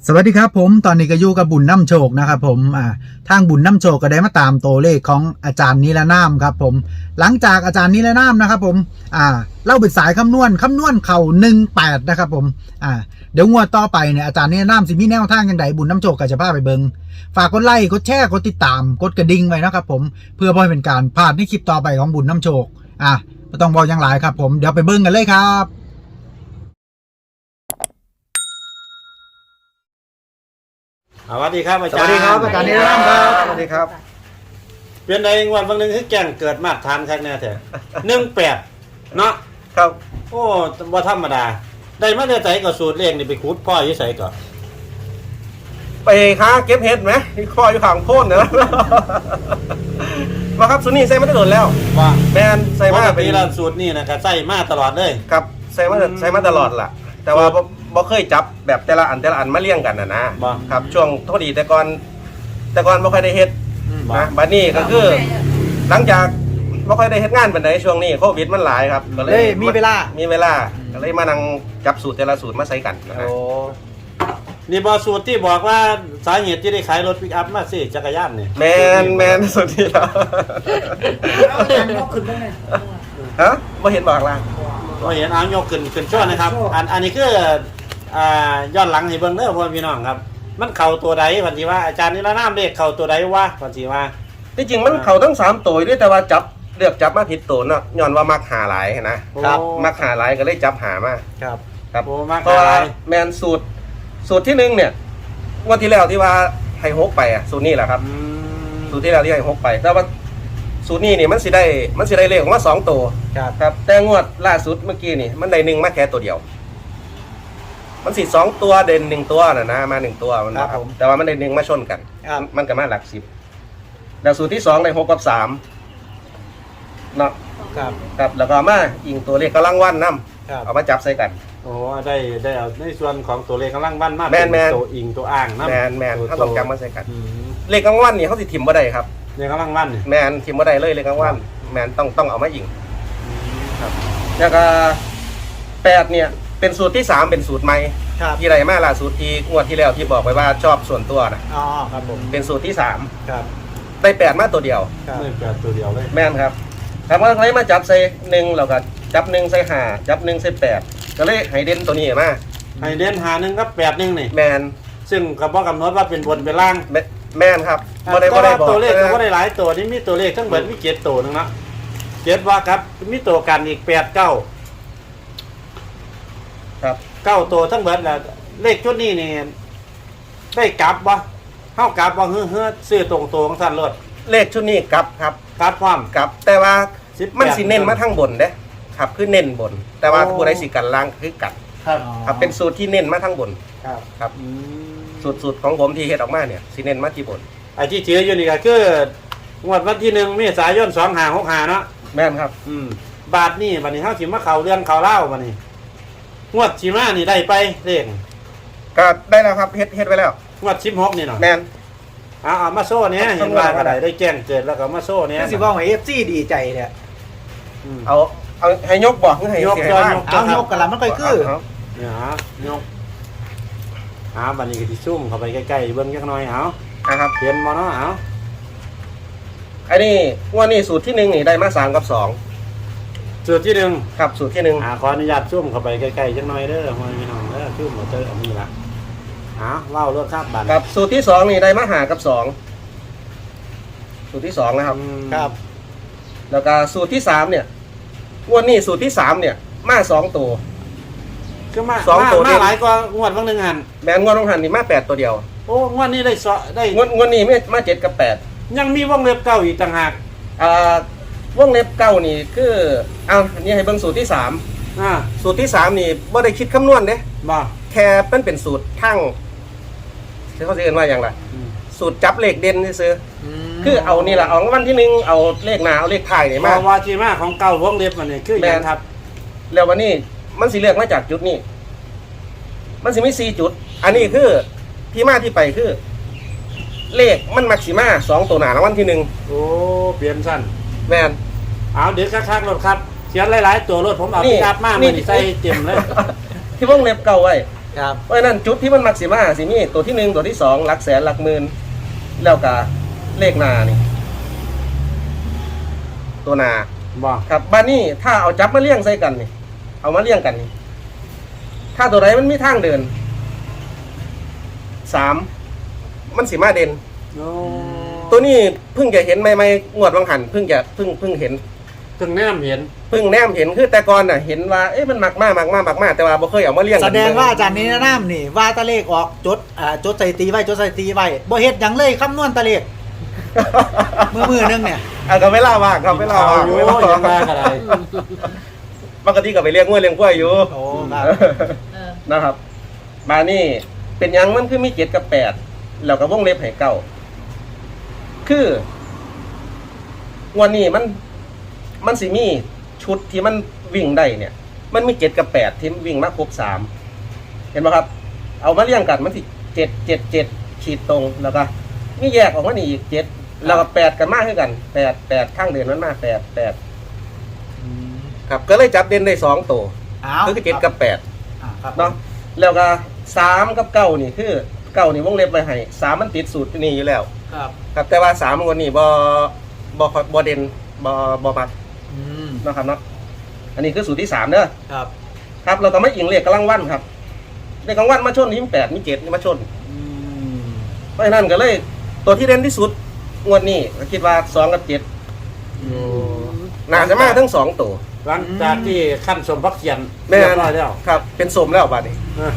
สวัสดีครับผมตอนนี้ก็อยู่กับบุญน้ำโชคนะครับผมทางบุญน้ำโชคก็ได้มาตามตัวเลขของอาจารย์นิรนามครับผมหลังจากอาจารย์นิรนามนะครับผมเล่าเป็นสายคำนวณเข่า18นะครับผมเดี๋ยวงวดต่อไปเนี่ยอาจารย์นิรนามสิมีแนวทางยังไงบุญน้ำโชคก็จะพาไปเบิงฝากกดไลค์กดแชร์กดติดตามกดกระดิ่งไว้นะครับผมเพื่อบ่ให้เป็นการพลาดในคลิปต่อไปของบุญน้ำโชคไม่ต้องบอกยังหลายครับผมเดี๋ยวไปเบิงกันเลยครับสวัสดีครับอาสจารย์วัสดีครับอาจารย์นิรนามครับสวัสดีครับเป็นในวันบางหนึ่งคือแก่งเกิดมาทานแท้แน่แท้18เนาะครับโอ้บ่ธรรมดาได้มาแต่ไสก็สูตรเลขนี่ไปขุดพ่ออยู่ไสก็ไปหาเก็บเห็ดไหมที่คออยู่ข้างโพ้นเนอะ มาครับสุนี่ใส่มาได้โดนแล้วว่าแมนใส่ปมาก เป็ตินแล้วสูตรนี่นะก็ใส่มาตลอดเลยครับใส่มาตลอดล่ะ แต่ว่าบ่เคยจับแบบแต่ละอันมาเลี้ยงกันนะครับช่วงโทษดีแต่ก่อนบ่ค่อยได้เฮ็ดบ่นะบัดนี้ก็คือ หลังจากบ่ค่อยได้เฮ็ดงานปานใดช่วงนี้โควิดมันหลายครับก็เลยมีเวลาก็เลยมานั่งจับสูตรแต่ละสูตรมาใส่กันนะฮะนี่บ่สูตรที่บอกว่าสาเหตุที่ได้ขายรถปิกอัพมาสิจักรยานนี่แมนสุดที่แล้วเอาหนังยกขึ้นบ้างไงฮะบ่เห็นบอกล่ะก็เห็นเอายกขึ้นช่วนะครับอันนี้คือย้อนหลังให้เบิ่งเด้อพ่อพี่น้องครับมันเข้าตัวใดพันธิว่าอาจารย์นิรนามเลขเข้าตัวใดวะพันธิว่าที่จริงมันเข้าทั้ง3ตัวด้วยแต่ว่าเลือกจับมาผิดตัวเนาะย้อนว่ามักหาหลายนะครับมักหาหลายก็เลยจับหามาครับครับโอ้มักเพราะหาหว่าลายแมนสูตรที่1เนี่ยงวดที่แล้วที่ว่าให้6ไปสูตรนี้แหละครับสูตรที่แล้วที่ให้6ไปแต่ว่าสูตรนี้นี่มันสิได้เลขออกมา2ตัวครับครับแต่งวดล่าสุดเมื่อกี้นี่มันได้1มาแค่ตัวเดียว มันสิ2ตัวเด่น1ตัวนะมา1ตัวมันนะครับแต่ว่ามันได้1มาชนกันครับมันก็มาหลัก10แล้วสูตรที่2ได้6กับ3เนาะครับครับแล้วก็มาอิงตัวเลขกำลังวันนํครับเอามาจับใส่กันโอ้ได้เอาในส่วนของตัวเลขกำลังบ้านมากแม่นตัวอิงตัวอ่างนะแมนถ้าต้องจำมาใส่กันอืมเลขกลางวันนี่เขาสิทิมบ่ได้ครับเลขกำลังบ้านนี่แมนทิมบ่ได้เลยเลขกลางวันแมนต้องเอามาอิงครับแล้วก็8เนี่ยเป็นสูตรที่3เป็นสูตรใหม่ครับที่ไรมาล่าสุดที่งวดที่แล้วที่บอกไว้ว่าชอบส่วนตัวนะอ๋อครับผมเป็นสูตรที่ครับ 3ได้8มาตัวเดียวครับไม่แปดตัวเดียวเลยแม่นครับถามว่าใครมาจับใส่1แล้วก็จับ1ใส่5จับ1ใส่8ก็เลยให้เด่นตัวนี้มาให้เด่นหาหนึ่งกับ8 1นี่แมนซึ่งกับว่ากำหนดว่าเป็นบนเป็นล่างแม่นครับบ่ได้แต่ว่าบอกตัวเลขก็บ่ได้หลายตัวนี่มีตัวเลขทั้งเบิดมี7ตัวนึงเนาะ7ว่าครับมีตัวกันอีก8 9 ครับ 9ตัวทั้งเบิดแล้วเลขชุดนี้นี่ได้กลับบ่เฮากลับบ่เฮ้อซื้อตรงตัวของท่านรถเลขชุดนี้กลับครับกลับพร้อมกลับแต่ว่า 18 มันสิเน้นมาทางบนเด้ครับคือเน้นบน แต่ว่าโอ้ผู้ใดสิกันล่างคือกัดครับครับเป็นสูตรที่เน้นมาทางบนครับครับสูตรของผมที่เฮ็ดออกมาเนี่ยสิเน้นมาที่บนไอ้ที่เชื่ออยู่นี่ก็คืองวดวันที่1เมษายน2565เนาะแม่นครับบาทนี่บัดนี้เฮาสิมาเข้าเรื่องเข้าเล่าบัดนี้งวดสิมานี่ได้ไปเลขก็ได้แล้วครับเฮ็ดไว้แล้วงวด16นี่เนาะแม่นเอามาโซ่เนี่ยเห็นว่าก็ได้แจ้งเกิดแล้วก็มาโซ่เนี่ยคือสิว่าให้ FC ดีใจเนี่ยเอาให้ยกบอกให้ยกให้ยอดว่างยกเอายกกันละมันค่อยคือเอาเนี่ยฮะยกบัดนี้ก็สิซุ่มเข้าไปใกล้ๆเบิ่งจักหน่อยเอานะครับเห็นบ่เนาะเอาอันนี้ว่านี่สูตรที่1นี่ได้มา3กับ2 สูตรที่หนึ่งครับสูตรที่1 ขออนุญาตซุ่มเข้าไปใกล้ๆจักหน่อยเด้อพี่น้องเด้อซุ่มเอาเจออันนี้ล่ะเล่ารถครับบัดครับสูตรที่2นี่ได้มา5กับ2สูตรที่2นะครับครับแล้วก็สูตรที่3เนี่ยงวดนี้สูตรที่3เนี่ยมา2ตัวคือมาสองตัวมาหลายกว่างวดบางหนึงหันแมนงวดลงหันนี่มา8ตัวเดียวโอ้งวดนี้ได้งวดนี้มา7กับ8 ยังมีวงเล็บเก่าอีกต่างหากวงเล็บเก้านี่คือเอาอันนี้ให้เบิ่งสูตรที่3สูตรที่3นี่บ่ได้คิดคำนวณเด้บ่แค่เป็นสูตรทั้งเขาสิเรียกว่าอย่างไรสูตรจับเลขเด่นซื่อๆคือเอานี่ล่ะเอาวันที่1เอาเลขหน้าเอาเลขท้ายนี่มามาว่าที่มาของเก่าวงเล็บมันนี่คืออย่างครับแล้ววันนี้มันสิเลือกมาจากจุดนี้มันสิมี4จุด อันนี้คือที่มาที่ไปคือ เลขมันมักสิมา2ตัวหน้ารางวัลที่1 โอ้เปลี่ยนสั้นแม่นเอาเดี๋ยวคักๆรถครับเขียนหลายๆตัวรถผมเอานี่พิกัดมากนี่มันใส่เต็มเลยที่วงเล็บเก่าไว้ครับเพราะฉะนั้นจุดที่มันมักสิมาสิมีตัวที่1ตัวที่2หลักแสนหลักหมื่นแล้วก็เลขหน้านี่ตัวหน้าบ่ครับบ้านนี้ถ้าเอาจับมาเลี้ยงใส่กันนี่เอามาเลี้ยงกันนี่ถ้าตัวใดมันมีทางเดิน3มันสิมาเด่นโอ้ตัวนี้เพิ่งจะเห็นใหม่ๆงวดวังหันเพิ่งเห็นถึงแนมเห็นเพิ่งแนมเห็นคือแต่ก่อนน่ะเห็นว่าเอ๊ะมันมักมากแต่ว่าบ่เคยเอามาเลี้ยงแสดงว่าอาจารย์นี้น้ำนี่ว่าตะเลขออกจดจดใส่ตีไว้จดใส่ตีไว้บ่เฮ็ดหยังเลยคำนวณตะเลขมือนึงเนี่ยก็เวลาว่างครับเวลาว่างอยู่เวลายังว่างมากันไรปกติก็ไปเลี้ยงงัวเลี้ยงกล้วยอยู่โอ้ครับนะครับมานี่เป็นหยังมันคือมี7กับ8แล้วก็วงเล็บให้เก้าคือวันนี้มันสิมีชุดที่มันวิ่งได้เนี่ย มันมี7กับ8ที่วิ่งมาครบ3เห็นไหมครับ เอามาเรียงกันมันสิ7ขีดตรงแล้วก็มีแยกออกมานี่อีก7แล้วก็8กันมากขึ้นกัน8ข้างเดินมันมา8ครับก็เลยจับเด่นได้2ตัวอ้าวคือ7กับ8 ครับเนาะแล้วก็3กับ9นี่คือ9นี่วงเล็บไว้ให้3มันติดสูตรนี่อยู่แล้วครับครับแต่ว่า3คนนี้บ่เด่นบ่มักอืมเนาะครับเนาะอันนี้คือสูตรที่3เด้อครับครับเราก็ไม่อิงเลขกำลังวันครับเลขกำลังวันมาชนที่8มี7นี่มาชนอืมเพราะฉะนั้นก็เลยตัวที่เด่นที่สุดงวดนี้ก็คิดว่า2กับ7น่าจะมาทั้ง2ตัวหลังจากที่ขั้นสมพักเขียนแม่เรียบร้อยแล้วครับเป็นสมแล้วบัดนี้อ่ะ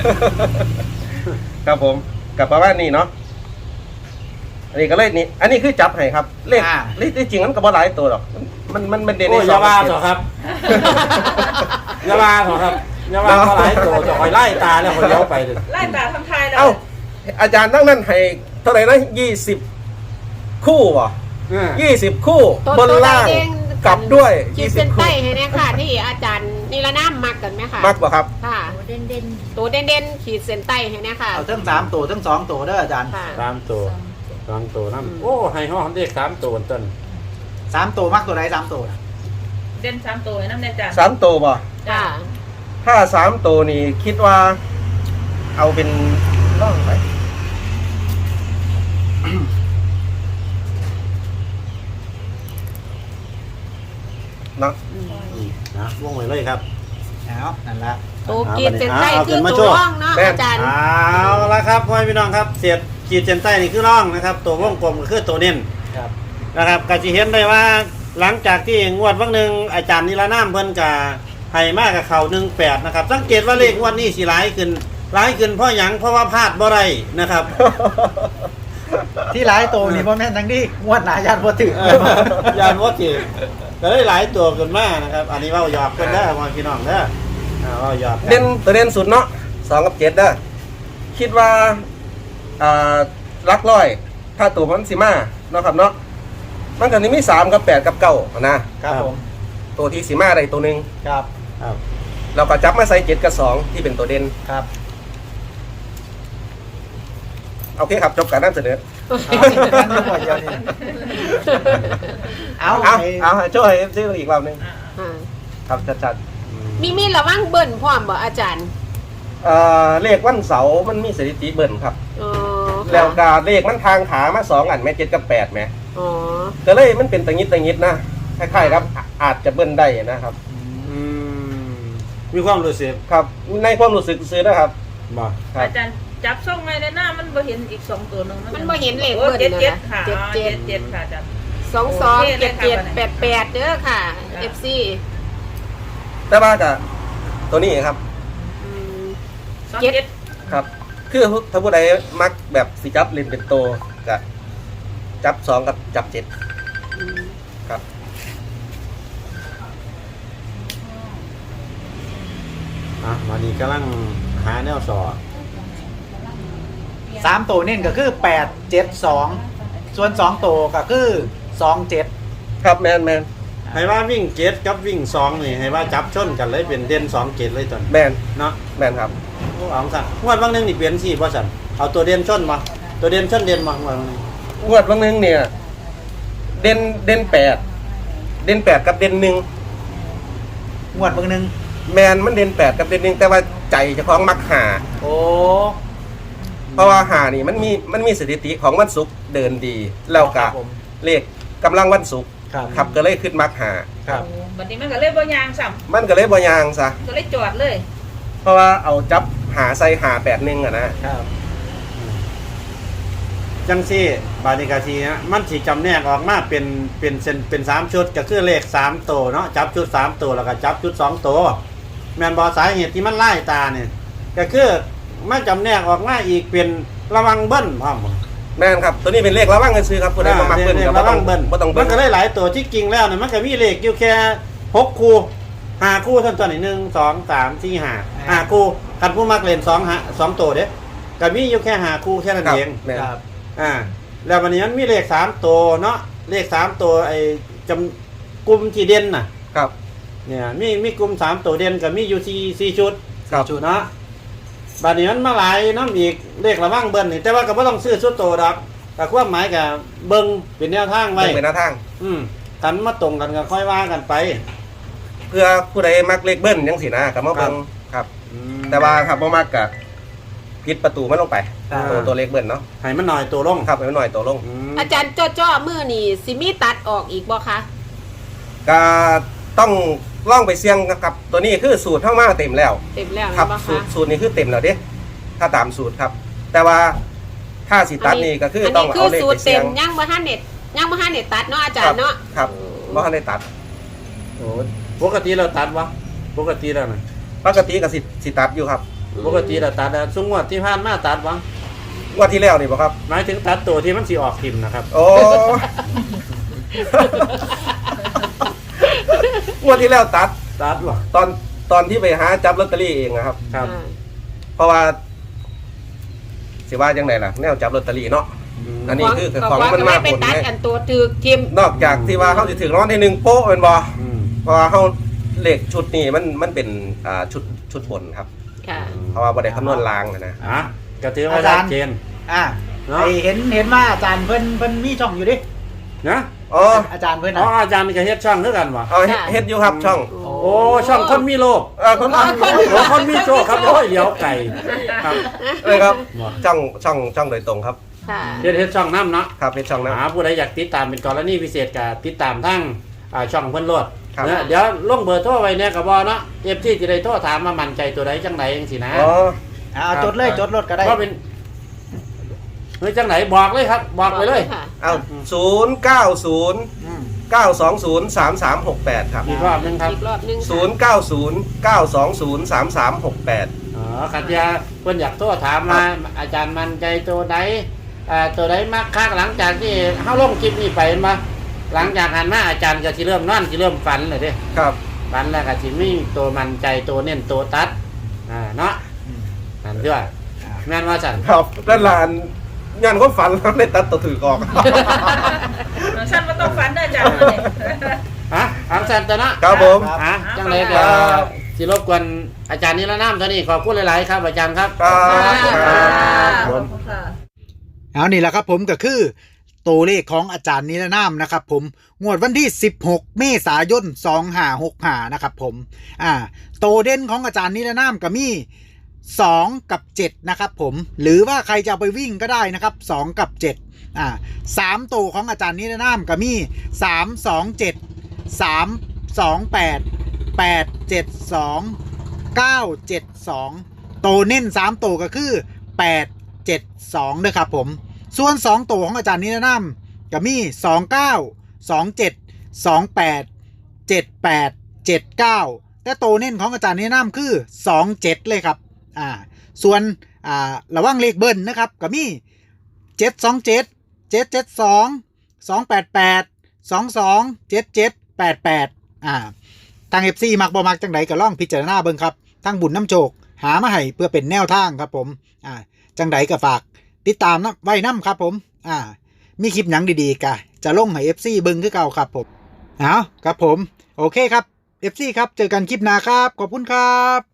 ครับผมกับประมาณนี้เนาะอันนี้ก็เลยนี่อันนี้คือจับให้ครับเลขจริงมันก็บ่หลายตัวหรอกมันเด่นโอ้ในยสอองย่าว่ากับเถเจ็ดอะครับอย่าว่าเถอะครับอย่าว่าเขาหลายตัวจะคอยไล่ตาแล้วคอยเลี้ยวไปเลยไล่ตาทำทายแล้วเอ้าอาจารย์ตั้งนั้นให้เท่าไหร่นะ20 คู่วะ20 คู่บนล่างกลับด้วยขีดเส้น 20 ใต้คู่ให้แน่ค่ะที่อาจารย์นิรนามมักกันไหมคะมักบ่ครับค่ะเด่นเด่นตัวเด่นๆขีดเส้นใต้ให้แน่ค่ะเอาทั้ง3ตัวทั้ง2ตัวเด้ออาจารย์ค่ะ 3 ตัว2 ตัวนั่นโอ้ให้ห้องเด็ก3 ตัวต้น 3ตัวมักตัวใด3ตัวน่ะเด่น3ตัวน้ำแน่จ้ะ 3ตัวบ่ค่ะถ้า3ตัวนี่คิดว่า เอาเป็นล่องไปเนาะนะว่องไว้เลยครับเอานั่นละตัวขีดเส้นใต้เอาคือขึ้นมาตัโชวว์ร่องเนาะอาจารย์เอาละครับพ่อพี่น้องครับเสียดขีดเส้นใต้นี่คือร่องนะครับ ตัววงกลมก็คือตัวเน้นครับนะครับก็จะเห็นได้ว่าหลังจากที่งวดวันหนึ่งอาจารย์นิรนามเพิ่นกับให้มากกับเขา18นะครับสังเกตว่าเลขงวดนี้สิร้ายขึ้นเพราะหยังเพราะว่าพลาดบ่ได้นะครับที่หลายตัวนี่บ่แม่นทั้งที่งวดหน้าญาติบ่ถึงยานวัตถิก็ได้หลายตัวขึ้นมานะครับ อันนี้เว่าหยอกกันได้อพ่อพี่น้องเด้อเว่าหยอกกัเด่นตัวเด่นสุดเนาะ2กับ7เด้อคิดว่าลักร้อย ถ้าตัวมันสิมาเนาะครับเนาะมันก็นี่มี3กับ8กับ9นะครับผมตัวที่สิมาได้ตัวหนึงครับครับเราก็จับมาใส่7กับ2ที่เป็นตัวเด่นครับโอเคครับจบการนำเสนอเอาเอาช่วยให้ซื้ออีกรอบหนึงอ่าครับจัดมีระวังเบิ่นพร้อมบ่อาจารย์เลขวันเสาร์มันมีสถิติเบิ่นครับอ๋อแล้วก็เลขมันทางขามา2อันแม่7กับ8แม่อ๋อก็เลยมันเป็นตะงิดนะคล้ายๆครับอาจจะเบิ่นได้นะครับอืมมีความรู้สึกครับในความรู้สึกซื้อนะครับบ่ครับอาจารย์จับส่งไงในหน้ามันบ่เห็นอีก2ตัวหนึงมันบ่เห็นเลขโอ้เบิ่นเจ็ดนะค่ะเจ็ดเจ็ดค่ะอาจารย์ 22 77 88เด้อค่ะ FC แต่ว่าก็ตัวนี้ครับอืม 27 ครับ คือถ้าผู้ใดมักแบบสิจับเล่นเป็นโตก็จับ2กับจับ7ครับวันนี้กำลังหาแนวสอ 3ตัวเน้นก็คือ8 7 2ส่วน2ตัวก็คือ2 7 ครับแมนให้ว่าวิ่ง7กับวิ่ง2นี่ให้ว่าจับชนกันเลยเป็นเด่น2 7เลยตอนแมนเนาะแมนครับโอ้เอาสั่นงวดบางนึงนี่เปลี่ยนสิบ่สั่นเอาตัวเด่นชนมาตัวเด่นชนเด่นมางวดบางนึงงวดบางนึงเนี่ยเด่น8กับเด่น1 งวดเบิ่งหนึงแมนมันเด่น8กับเด่น1แต่ว่าใจเจ้าของมักหาโอ้เพราะว่าหานี่มันมีสถิติของวันศุกร์เดินดี แล้วก็เลขกำลังวันศุกร์ครับครับก็เลยขึ้นมักหาครับบัดนี้มันก็เลยบ่ยางซ้มันก็เลยบ่ยางซะำก็เลยจอดเลยเพราะว่าเอาจับหาใส่หา81อ่ะนะครับจังซี่บาดิกาทีนะมันสิจำแนกออกมาเป็นเส้นเป็น3ชุดก็คือเลข3ตัวเนาะจับชุด3ตัวแล้วก็จับชุด2ตัวแม่นบ่สาเหตุที่มันไล่ตาเนี่ยก็คือมันจำแนกออกมาอีกเป็นระวังเบิ้ลพร้อมแม่นครับตัวนี้เป็นเลขระวังกันซื้อครับผู้ใดบ่มักเบิ้ลเลขก็ระวังเบิ้ลบ่ต้องมัเบิ้นลก็ได้หลายตัวที่จริงแล้วเนี่ยมันก็มีเลขอยู่แค่6คู่5คู่เท่านั้น1 2 3 4 5คู่คันผู้มักเล่น2ตัวเด้ก็มีอยู่แค่5คู่แค่นั้นครับเองแม่นครับแล้ววันนี้มันมีเลข3ตัวเนาะเลข3ตัวไอ้จำกลุ่มที่เด่นน่ะครับเนี่ยมีกลุ่ม3ตัวเด่นก็มีอยู่4ชุดครับชุดเนาะบัดนี้มันมาหลายน้ำอีกเลขระวังเบิ้ลนี่แต่ว่าก็บ่ต้องซื้อชุดโตดอกแต่ความหมายก็เบิ่งเป็นแนวทางไว้เป็นหน้าทางกันมาตรงกันก็ค่อยว่ากันไปเพื่อผู้ใดมักเลขเบิ้ลจังซี่นะก็มาเบิ่งครับ แต่ว่าครับบ่มักก็ปิดประตูมันลงไปครับตัวเลขเบิ้ลเนาะให้มันหน่อยตัวลงครับให้มันหน่อยตัวลงอาจารย์จ้อมือนี่สิมีตัดออกอีกบ่คะก็ต้องล่องไปเสี่ยงกับตัวนี้คือสูตรเท่ามาเต็มแล้วเต็มแล้วครับบ่สูคะตรนี้คือเต็มแล้วเด้ถ้าตามสูตรครับ แต่ว่าถ้าสิตัดนี่ก็คือต้องเอาเลขสูไปตรเสี่เต็ยงมยังบ่ทันเน็ตยังบ่ทันเน็ตตัดเนาะอาจารย์เนาะครับบ่ทันได้ตัดโอ้ปกติเราตัดวะปกติแล้วนะปกติก็สิตัดอยู่ครับปกติเราตัดแล้วช่วงงวดที่ผ่านมาตัดวะงวดที่แล้วนี่บ่ครับหมายถึงตัดตัวที่มันสิออกทิมนะครับโอ้ งวดที่แล้วตัดตัดวะตอนที่ไปหาจับลอตเตอรี่เองนะครับครับเพราะว่าสิว่าจังไดล่ะแนวจับลอตเตอรี่เนาะ อันนี้คือของมันมากไปผลตัดไงอันตัวถือทิมนอกจากที่ว่าเขาจะถึงรางวัลที่หนึ่งโป๊ะเป็นบ่อืมเพราะว่าเขาเลขชุดนี้มันเป็นชุดบนครับค่ะเพราะว่าบ่ได้คำนวณลางนะอ่ะก็ถือว่าชัดเจนอ่าเนาะไอเห็นว่าอาจารย์เพิ่นมีช่องอยู่ดินะอ๋ออาจารย์เพิ่นอ๋อนะอาจารย์ก็เฮ็ดช่องด้วยกันวะเอาเฮ็ดอยู่ครับช่องโอ้ช่องคนมีโลกคนโอ้คนมีโชคครับโอ้ยเดี๋ยวไก่ครับเลยครับบ่ช่องโดยตรงครับค่ะเฮ็ดช่องน้ำเนาะครับเป็นช่องนะผู้ใดอยากติดตามเป็นกรณีพิเศษก็ติดตามทั้งช่องเพิ่นโลดครับนะเดี๋ยวลงเบอร์โทรไว้เนี่ยก็บ่เนาะ FT สิได้โทรถามว่ามั่นใจตัวใดจังไดจังซี่นะอ๋อเอาจดเลยจดรถก็ได้ว่าเป็นเฮ้ยจังไหนบอกเลยครับ บอกไปเลยค่ะเอา090 อืม 920 3368 ครับอีกรอบหนึงครับอีกรอบหนึงค่ะ 090 920 3368 อ๋อขัดยาเพิ่นอยากโทรถามมาอาจารย์มั่นใจตัวใดตัวใดมากคักหลังจากที่เฮาลงคลิปนี้ไปมาหลังจากหันมาอาจารย์ก็สิเริ่มนอนสิเริ่มฝันเลยเด้ครับฝันแล้วก็สิมีตัวมั่นใจตัวเน้นตัวตัดเนาะอืมนั่นด้วยแม่นว่าสั่นครับด้านหลานงานความฝันแล้วได้ตัดตัวถือกออกสั้นบ่ต้องฝันเด้ออาจารย์เลยฮะอังสันตัวเนาะครับผมฮะจังไรก็สิรบกวนอาจารย์นิรนามเท่านี้ขอบคุณหลายๆครับอาจารย์ครับครับขอบคุณค่ะเอานี่แหละครับผมก็คือตัวเลขของอาจารย์นิรนามนะครับผมงวดวันที่16เมษายน2565นะครับผมตัวเด่นของอาจารย์นิรนามก็มี2กับ7นะครับผมหรือว่าใครจะเอาไปวิ่งก็ได้นะครับ2กับ7 3ตัวของอาจารย์นิรนามก็มี3 2 7 3 2 8 8 7 2 9 7 2ตัวเน้น3ตัวก็คือ8 7 2นะครับผมส่วน2ตัวของอาจารย์นิรนามก็มี29 27 28 78 79แต่ตัวเน้นของอาจารย์นิรนามคือ27เลยครับส่วนระว่างเลขเบิ้ลนะครับก็มี727 772 288 22 77 88ทาง FC มักบ่มักจังไดก็ลองพิจารณาเบิ่งครับทางบุญน้ำโชคหามาให้เพื่อเป็นแนวทางครับผมจังไดก็ฝากติดตามนะไว้นำครับผมมีคลิปหนังดีๆกะจะลงให้ FC เบิ่งคือเก่าครับผมครับผมโอเคครับ FC ครับเจอกันคลิปหน้าครับขอบคุณครับ